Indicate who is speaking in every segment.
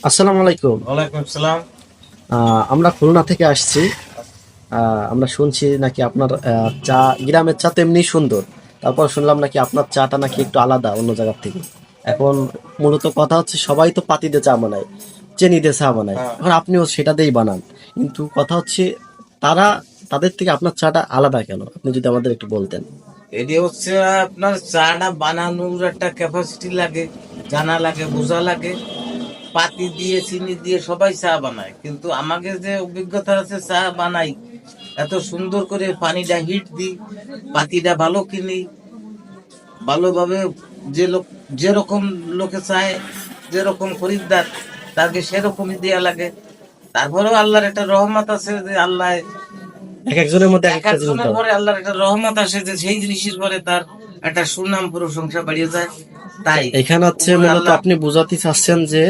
Speaker 1: আসসালামু আলাইকুম।
Speaker 2: ওয়ালাইকুম আসসালাম।
Speaker 1: আমরা খুলনা থেকে আসছি। আমরা শুনছি নাকি আপনার চা, গ্রামের চা তো এমনি সুন্দর, তারপর শুনলাম নাকি আপনার চাটা নাকি একটু আলাদা অন্য জায়গার থেকে। এখন মূলত কথা হচ্ছে সবাই তো পাতি দিয়ে চা বানায়, চিনি দিয়ে চা বানায়,
Speaker 2: হ্যাঁ,
Speaker 1: এখন আপনিও সেটা দিয়েই বানান, কিন্তু কথা হচ্ছে তারা, তাদের থেকে আপনার চাটা আলাদা কেন, আপনি যদি আমাদের একটু বলতেন।
Speaker 2: এটি হচ্ছে আপনার চাটা বানানোর একটা ক্যাপাসিটি লাগে, জানা লাগে, বোঝা লাগে। পাতি দিয়ে চিনি দিয়ে সবাই চা বানায়, কিন্তু আমাকে যে অভিজ্ঞতা আছে চা বানাই, এত সুন্দর করে পানিটা হিট দিই, পাতিটা ভালো কিনি, ভালোভাবে যে লোক যেরকম লোকে চায়, যেরকম খরিদ্দার তাকে সেরকমই দেয়া লাগে। তারপরেও আল্লাহর একটা রহমত আছে যে আল্লাহ
Speaker 1: এক একজনের মধ্যে এক
Speaker 2: এক
Speaker 1: একটা জিনিস
Speaker 2: একজনের
Speaker 1: দাও।
Speaker 2: পরে আল্লাহর একটা রহমত আসে যে সেই জিনিসের পরে তার একটা সুনাম প্রশংসা বাড়িয়ে যায়। তাই
Speaker 1: এখানে হচ্ছে
Speaker 2: উপরে
Speaker 1: মূলত
Speaker 2: আল্লাহ
Speaker 1: আপনি বোঝাতে চাচ্ছেন যে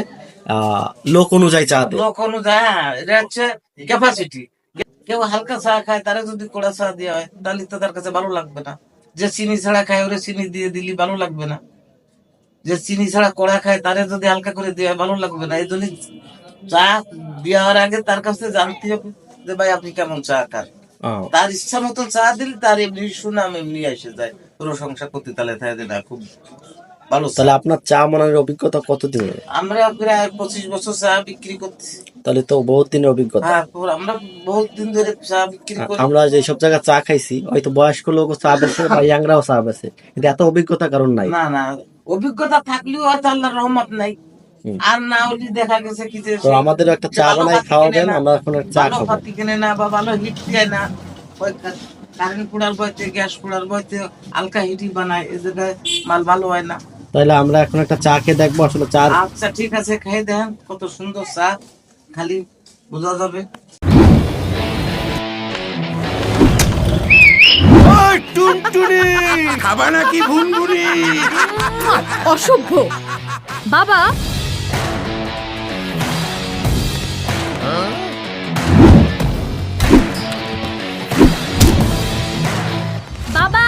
Speaker 1: লোক অনুযায়ী চা দেয়।
Speaker 2: লোক অনুযায়ী, হ্যাঁ, এটা হচ্ছে ক্যাপাসিটি। কেউ হালকা চা খায়, তারা যদি কড়া চা দেওয়া হয় তাহলে তো তার কাছে ভালো লাগবে না। যে চিনি ছাড়া খায় ওরে চিনি দিয়ে দিলি ভালো লাগবে না। যে চিনি ছাড়া কড়া খায় তারে যদি হালকা করে দেওয়া হয় ভালো লাগবে না। এই জন্য চা দেওয়ার আগে তার কাছে জানতে হবে যে ভাই আপনি কেমন চা খান।
Speaker 1: আহ,
Speaker 2: তার ইচ্ছা মতো চা দিলে তার এমনি সুনাম এমনি এসে যায়, প্রশংসা করতে তালে থাকে না খুব ভালো চা।
Speaker 1: তাহলে আপনার চা বানানোর অভিজ্ঞতা কতদিনের?
Speaker 2: আমরা প্রায় 25 বছর চা বিক্রি করতেছি।
Speaker 1: তাহলে তো বহুত দিনের অভিজ্ঞতা।
Speaker 2: হ্যাঁ, আমরা বহুত দিন ধরে চা বিক্রি করি।
Speaker 1: আমরা যে সব জায়গায় চা খাইছি, হয়তো বয়স্ক লোক চা বেছে বা ইয়াংরাও চা বেছে, কিন্তু এত অভিজ্ঞতা কারণ নাই।
Speaker 2: না না, অভিজ্ঞতা থাকলেও হয়তো আল্লাহর রহমত নাই।
Speaker 1: হুম।
Speaker 2: আর না হলে দেখা গেছে কি যে
Speaker 1: তো
Speaker 2: সেই
Speaker 1: আমাদেরও একটা চা
Speaker 2: ভালো
Speaker 1: বানাই
Speaker 2: পাতি কেনে
Speaker 1: খাওয়াবেন,
Speaker 2: না,
Speaker 1: আমরা এখন চা
Speaker 2: ভালো
Speaker 1: খাবো।
Speaker 2: পাতি কেনে না বা ভালো হিট দেয় না। ওই কারেন্ট পোড়ার বইতে, গ্যাস পোড়ার বইতে হালকা হিটই বানায়, এই জায়গায় মাল ভালো হয় না।
Speaker 1: তাহলে আমরা এখন একটা চা খেয়ে দেখবো আসলে চার।
Speaker 2: আচ্ছা ঠিক আছে, খেয়ে দেখেন কত সুন্দর চা, খালি বোঝা যাবে।
Speaker 3: ওই টুনটুনি, খাবা নাকি ভুনভুনি?
Speaker 4: অসভ্য বাবা। বাবা,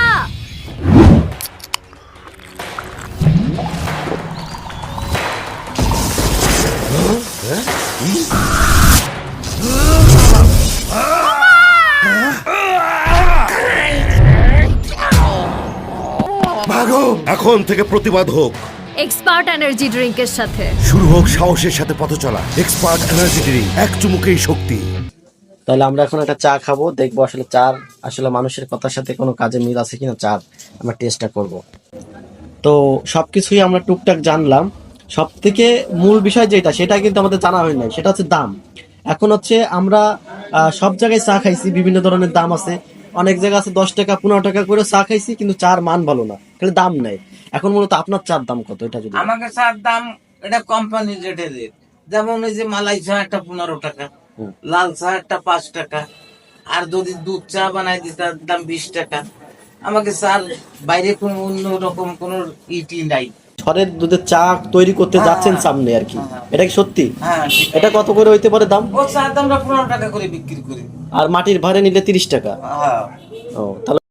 Speaker 3: ভাগো, এখন থেকে প্রতিবাদ হোক,
Speaker 4: এক্সপার্ট এনার্জি ড্রিঙ্কের সাথে।
Speaker 3: শুরু হোক সাহসের সাথে পথ চলা। এক্সপার্ট এনার্জি ড্রিঙ্ক, এক চুমুকেই শক্তি।
Speaker 1: তাহলে আমরা এখন একটা চা খাবো, দেখবো আসলে চার আসলে মানুষের কথার সাথে কোনো কাজে মিল আছে কিনা, চার আমরা টেস্টটা করব। তো সবকিছুই আমরা টুকটাক জানলাম, সব থেকে মূল বিষয় যেটা সেটা কিন্তু আমাদের জানা হয় নাই, সেটা হচ্ছে দাম। এখন হচ্ছে আমরা সব জায়গায় চা খাইছি, বিভিন্ন ধরনের দাম আছে, অনেক জায়গা আছে 10 টাকা 15 টাকা করে চা খাইছি, কিন্তু চার মান ভালো না, খালি দাম নেই। এখন মূলত আপনার চার দাম কত এটা যদি।
Speaker 2: আমাকে চার দাম এটা কোম্পানির রেটে রেট। যেমন এই যে মালাই চা একটা 15 টাকা,
Speaker 1: হুম।
Speaker 2: লাল চা একটা 5 টাকা, আর যদি দুধ চা বানাই দিই তার দাম 20 টাকা। আমাকে চার বাইরে কোনো অন্য রকম কোনো ইটি নাই।
Speaker 1: ঘরের দুধের চা তৈরি করতে যাচ্ছেন সামনে আর কি, এটা কি সত্যি?
Speaker 2: হ্যাঁ ঠিক
Speaker 1: এটা
Speaker 2: আছে।
Speaker 1: কত করে হইতে পারে দাম?
Speaker 2: ও চার দামটা 15 টাকা করে বিক্রি করি।
Speaker 1: আর মাটির ভাড়ে নিলে 30 টাকা।
Speaker 2: হ্যাঁ।
Speaker 1: ও তাহলে